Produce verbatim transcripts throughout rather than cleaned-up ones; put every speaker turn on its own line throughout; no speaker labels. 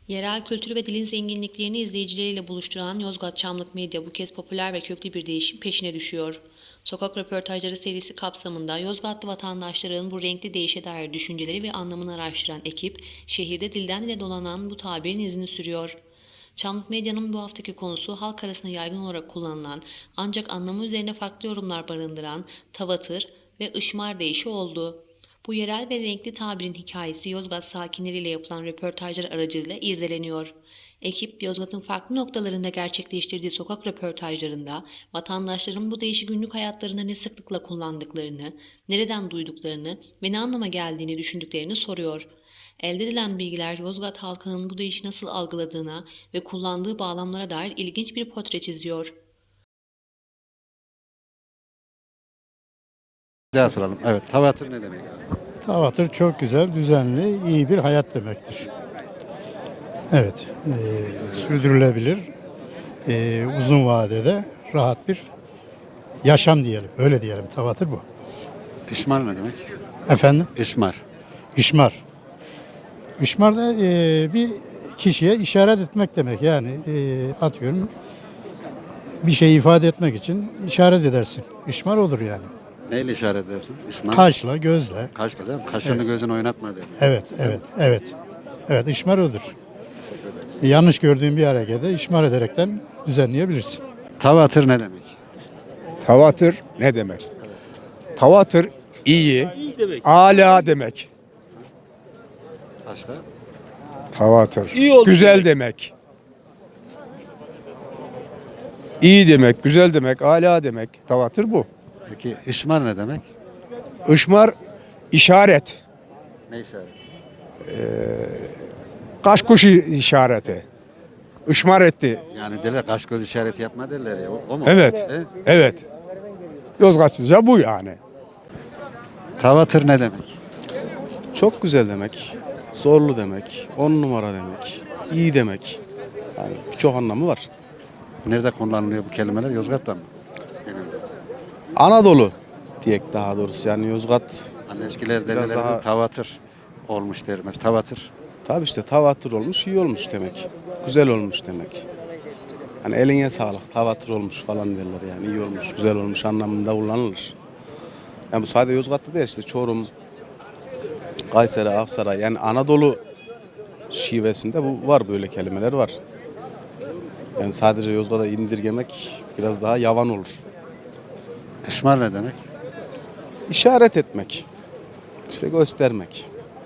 Yerel kültür ve dilin zenginliklerini izleyicileriyle buluşturan Yozgat Çamlık Medya bu kez popüler ve köklü bir değişim peşine düşüyor. Sokak röportajları serisi kapsamında Yozgatlı vatandaşların bu renkli değişe dair düşünceleri ve anlamını araştıran ekip, şehirde dilden dile dolanan bu tabirin izini sürüyor. Çamlık Medya'nın bu haftaki konusu halk arasında yaygın olarak kullanılan ancak anlamı üzerine farklı yorumlar barındıran tavatır ve ışmar deyişi oldu. Bu yerel ve renkli tabirin hikayesi Yozgat sakinleriyle yapılan röportajlar aracılığıyla irdeleniyor. Ekip, Yozgat'ın farklı noktalarında gerçekleştirdiği sokak röportajlarında vatandaşların bu değişik günlük hayatlarında ne sıklıkla kullandıklarını, nereden duyduklarını ve ne anlama geldiğini düşündüklerini soruyor. Elde edilen bilgiler Yozgat halkının bu değişi nasıl algıladığına ve kullandığı bağlamlara dair ilginç bir portre çiziyor.
Bir daha soralım. Evet, tavatır ne demek?
Tavatır çok güzel, düzenli, iyi bir hayat demektir. Evet, e, sürdürülebilir, e, uzun vadede rahat bir yaşam diyelim, öyle diyelim. Tavatır bu.
İşmar ne demek?
Efendim,
İşmar.
işmar. İşmar da e, bir kişiye işaret etmek demek. Yani e, atıyorum bir şey ifade etmek için işaret edersin. İşmar olur yani.
Neyle işaret edersin? İşmar.
Kaşla, gözle.
Kaşla değil mi? Kaşını
Evet.
gözünü oynatma demek.
Evet, evet, evet. Evet, işmar odur. Yanlış gördüğün bir hareketi işmar ederekten düzenleyebilirsin.
Tavatır ne demek?
Tavatır ne demek? Tavatır iyi, âlâ demek.
Başka?
Tavatır.
İyi oldu
Güzel demek. İyi demek, güzel demek, âlâ demek. Tavatır bu.
Peki işmar ne demek?
Işmar işaret.
Ne işaret?
Kaş kuşu işareti. Işmar etti.
Yani derler kaş göz işareti yapma derler ya. O, o mu?
Evet.
He?
Evet. Yozgatlıca bu yani.
Tavatır ne demek?
Çok güzel demek, zorlu demek, on numara demek, iyi demek. Yani birçok anlamı var.
Nerede kullanılıyor bu kelimeler? Yozgat'ta mı? Genelde.
Anadolu diyek daha doğrusu yani Yozgat
Hani eskiler
Biraz
derler
daha-
tavatır olmuş dermez. Tavatır.
tabi işte tavatır olmuş, iyi olmuş demek. Güzel olmuş demek. Hani eline sağlık, tavatır olmuş falan derler yani iyi olmuş, güzel olmuş anlamında kullanılır. Yani bu sadece Yozgat'ta değil işte Çorum, Kayseri, Aksaray yani Anadolu şivesinde bu var böyle kelimeler var. Yani sadece Yozgat'a indirgemek biraz daha yavan olur.
İşmar ne demek?
İşaret etmek, işte göstermek.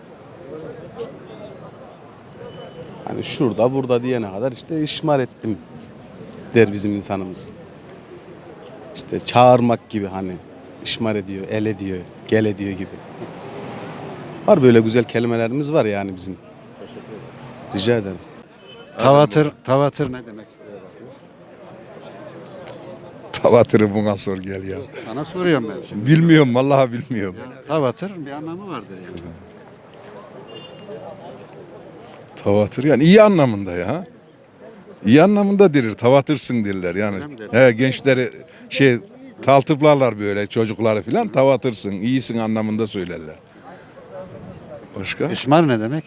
Hani şurada burada diyene kadar işte işmar ettim der bizim insanımız. İşte çağırmak gibi hani işmar ediyor, el ediyor, gel ediyor gibi. Var böyle güzel kelimelerimiz var yani bizim. Rica ederim.
Tavatır, tavatır ne demek?
Tavatırı buna sor gel ya.
Sana soruyorum ben şimdi.
Bilmiyorum vallahi bilmiyorum.
Tavatır bir anlamı vardır yani.
Tavatır yani iyi anlamında ya. İyi anlamında dirir. Tavatırsın derler yani.
Öyle mi derler?
He, gençleri şey taltıplarlar böyle çocukları filan tavatırsın. İyisin anlamında söylerler. Başka?
İşmar ne demek?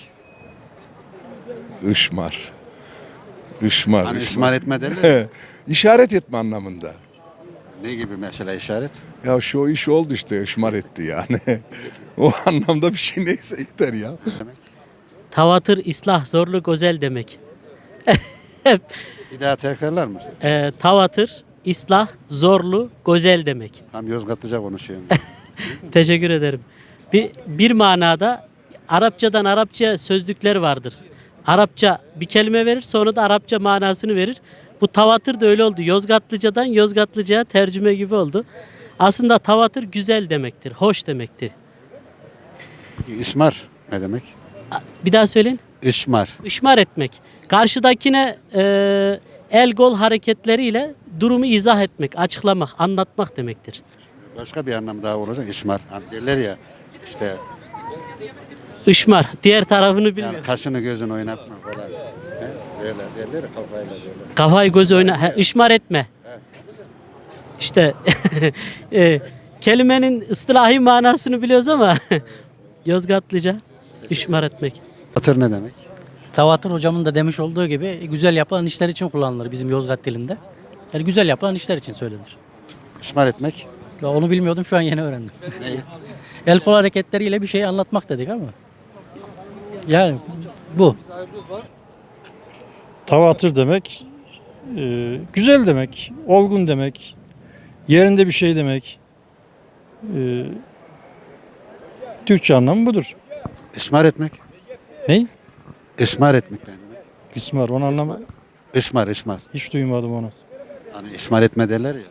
Işmar. Işmar.
Hani
ışmar.
işmar etme derler. ya.
He, İşaret etme anlamında.
Ne gibi mesela işaret?
Ya şu iş oldu işte ışmar etti yani. O anlamda bir şey neyse yeter ya.
Tavatır, ıslah, zorlu, güzel demek.
Bir daha tekrarlar mısın?
Ee, tavatır, ıslah, zorlu, güzel demek.
Tam Yozgatlıca konuşuyorum.
Teşekkür ederim. Bir, bir manada Arapçadan Arapça sözlükler vardır. Arapça bir kelime verir, sonra da Arapça manasını verir. Bu tavatır da öyle oldu. Yozgatlıcadan Yozgatlıca'ya tercüme gibi oldu. Aslında tavatır güzel demektir, hoş demektir.
Peki işmar ne demek?
Bir daha söyleyin.
İşmar.
Işmar etmek. Karşıdakine e, el gol hareketleriyle durumu izah etmek, açıklamak, anlatmak demektir.
Başka bir anlam daha olacak işmar. Hani derler ya işte
Işmar. Diğer tarafını bilmiyorum.
yani kaşını gözünü oynatma falan. He? Böyle derler ya kafayla böyle.
Kafayı gözü oyna. He, ışmar etme. İşte e, kelimenin ıslahi manasını biliyoruz ama Yozgatlıca ışmar etmek.
Tavatır ne demek?
Tavatır hocamın da demiş olduğu gibi güzel yapılan işler için kullanılır bizim Yozgat dilinde. Yani güzel yapılan işler için söylenir.
İşmar etmek.
Ya onu bilmiyordum, şu an yeni öğrendim.
Neyi?
El kol hareketleriyle bir şey anlatmak dedik ama. Yani bu.
Tavatır demek, e, güzel demek, olgun demek, yerinde bir şey demek. E, Türkçe anlamı budur.
İşmar etmek.
Ney?
İşmar etmek ne demek?
Kısmar, onun anlamı
İşmar, işmar.
hiç duymadım onu.
Hani işmar etme derler ya.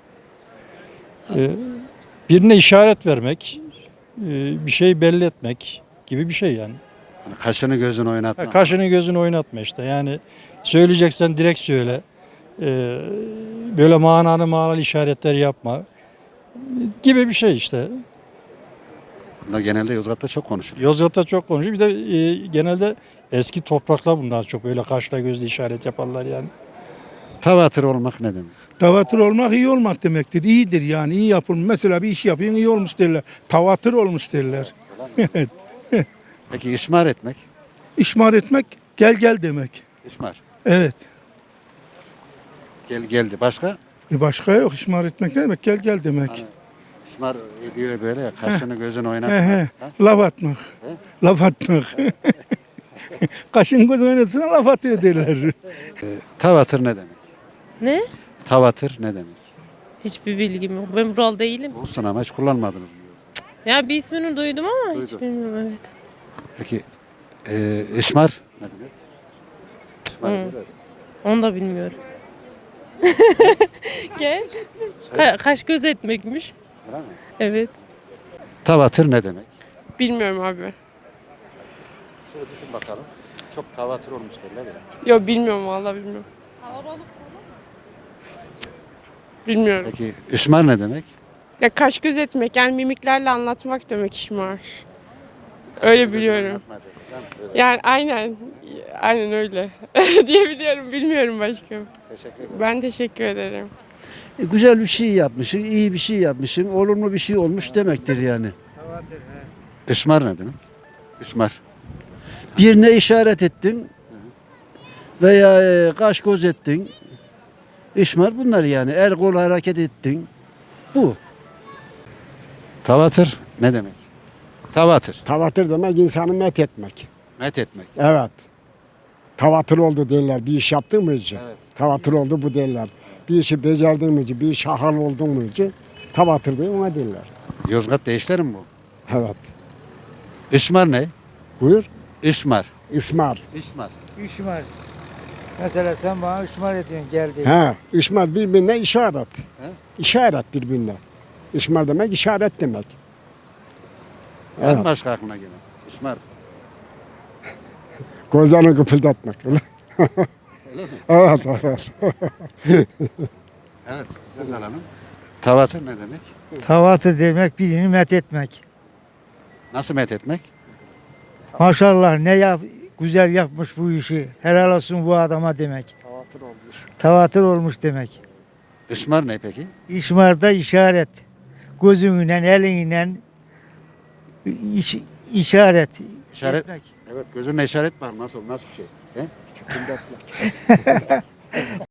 E, Birine işaret vermek, e, bir şey belli etmek gibi bir şey yani.
Hani kaşını gözünü oynatma.
Ha, kaşını gözünü oynatma işte. Yani söyleyeceksen direkt söyle. Ee, böyle manalı manalı işaretler yapma. Gibi bir şey işte.
Bunlar genelde Yozgat'ta çok konuşuluyor.
Yozgat'ta çok konuşuyor. Bir de e, genelde eski topraklar bunlar çok öyle kaşla gözle işaret yaparlar yani.
Tavatır olmak ne demek?
Tavatır olmak iyi olmak demektir. İyidir yani iyi yapılmış. Mesela bir iş yapıyorsun iyi olmuş derler. Tavatır olmuş derler. Evet.
Peki işmar etmek?
İşmar etmek gel gel demek.
İşmar.
Evet.
Gel geldi. Başka?
E başka yok. İşmar etmek ne demek? Gel gel demek.
Hani işmar ediyor böyle ya. Kaşını gözünü
He
oynatma.
he.
Ha?
Laf atmak. Laf atmak. Kaşın göz oynatırsan laf atıyor derler.
Tavatır ne demek?
Ne?
Tavatır ne demek?
Hiçbir bilgim yok. Ben buralı değilim.
Olsun ama hiç kullanmadınız mı?
Ya bir ismini duydum ama hiç
Duydum.
bilmiyorum, evet.
Peki e, işmar ne demek? İşmar
Hı.
böyle.
Onu da bilmiyorum. Gel. Ka- kaş göz etmekmiş.
Öyle mi?
Evet.
Tavatır ne demek?
Bilmiyorum abi.
Şöyle düşün bakalım. Çok tavatır olmuş derler ya.
Yok bilmiyorum, vallahi bilmiyorum. Bilmiyorum.
Peki işmar ne demek?
Ya kaş göz etmek yani mimiklerle anlatmak demek işmar. Öyle biliyorum.
Oynatma derler, değil mi? Öyle.
Yani aynen. Aynen öyle. Diyebiliyorum. Bilmiyorum başka.
Teşekkür ederim.
Ben teşekkür ederim.
E, güzel bir şey yapmışsın, iyi bir şey yapmışsın, olumlu bir şey olmuş demektir yani.
İşmar ne demek? İşmar.
Birine işaret ettin veya e, kaş göz ettin. İşmar bunlar yani. El kol hareket ettin. Bu.
Tavatır ne demek? Tavatır.
Tavatır demek insanı met etmek.
Met etmek.
Evet. Tavatır oldu derler. Bir iş yaptığımız için.
Evet.
Tavatır oldu bu derler. Bir işi becerdiğimiz için, bir iş hal olduğumuz için tavatır diye ona derler.
Yozgat değişler mi bu?
Evet.
İşmar ne?
Buyur.
İşmar.
İsmar.
İşmar.
İşmar. Mesela sen bana işmar ediyorsun gel diye.
He. İsmar birbirine işaret.
He?
İşaret birbirine. İsmar demek işaret demek.
Var mı
Evet.
başka aklına gelen? İşmar.
Gözlerini kıpırdatmak.
Öyle mi?
Evet, evet.
Evet. Sen alalım. Tavatır ne demek?
Tavatı demek birini met etmek.
Nasıl met etmek?
Maşallah ne yap güzel yapmış bu işi. Helal olsun bu adama demek.
Tavatır olmuş.
Tavatır olmuş demek.
İşmar ne peki?
İşmarda işaret. Gözünle, elinle iş, işaret.
İşaret.
etmek.
Evet gözünle işaret var. Nasıl? Nasıl bir şey? He?